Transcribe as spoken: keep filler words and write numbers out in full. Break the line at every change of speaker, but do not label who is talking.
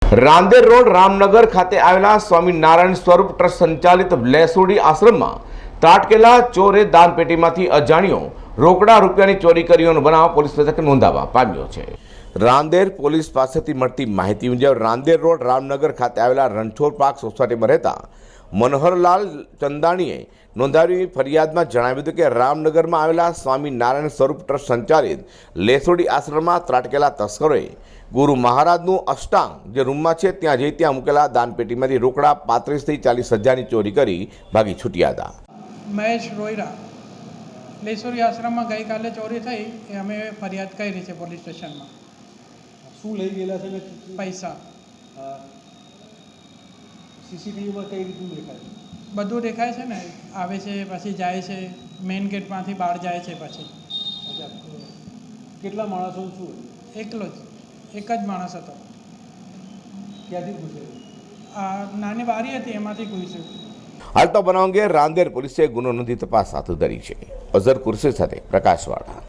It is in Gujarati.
રાંદેર રોડ રામનગર ખાતે આવેલા સ્વામિનારાયણ સ્વરૂપ ટ્રસ્ટ સંચાલિત લેસુડી આશ્રમમાં ત્રાટકેલા ચોરે દાનપેટીમાંથી અજાણ્યો રોકડા રૂપિયાની ચોરી કર્યોનો બનાવ પોલીસ મથકે નોંધાવા પામ્યો છે। રાંદેર પોલીસ પાસેથી મળતી માહિતી મુજબ રાંદેર રોડ રામનગર ખાતે આવેલા રણછોડ પાર્ક સોસાયટીમાં રહેતા મનોહરલાલ ચંદાણીએ નોંધાવી ફરિયાદમાં જણાવ્યું હતું કે રામનગરમાં આવેલા સ્વામિનારાયણ સ્વરૂપ ટ્રસ્ટ સંચાલિત લેસુડી આશ્રમમાં ત્રાટકેલા તસ્કરોએ ગુરુ મહારાજનું અષ્ટાંગ જે રૂમમાં છે ત્યાં જઈ ત્યાં મૂકેલા દાનપેટીમાંથી રોકડા પાંત્રીસથી ચાલીસ હજારની ચોરી કરી ભાગી છૂટ્યા હતા।
મહેશ રોયરા લેસુડી આશ્રમમાં ગઈકાલે ચોરી થઈ એ અમે ફરિયાદ કરી છે પોલીસ સ્ટેશનમાં।
શું લઈ ગયેલા છે ને
પૈસા
સીસીટીવીમાં કઈ રીતનું દેખાય છે?
બધું દેખાય છે ને, આવે છે પછી જાય છે, મેઇન ગેટમાંથી બહાર જાય છે પછી।
અચ્છા, કેટલા માણસો શું?
એકલો જ એક જ માણસ હતો।
ક્યાંથી પૂછે?
આ નાની બારી હતી એમાંથી ઘૂસ્યું।
હાલ તો બનાવ અંગે રાંદેર પોલીસે ગુનો નોંધી તપાસ હાથ ધરી છે। અઝર કુરશી સાથે પ્રકાશવાળા।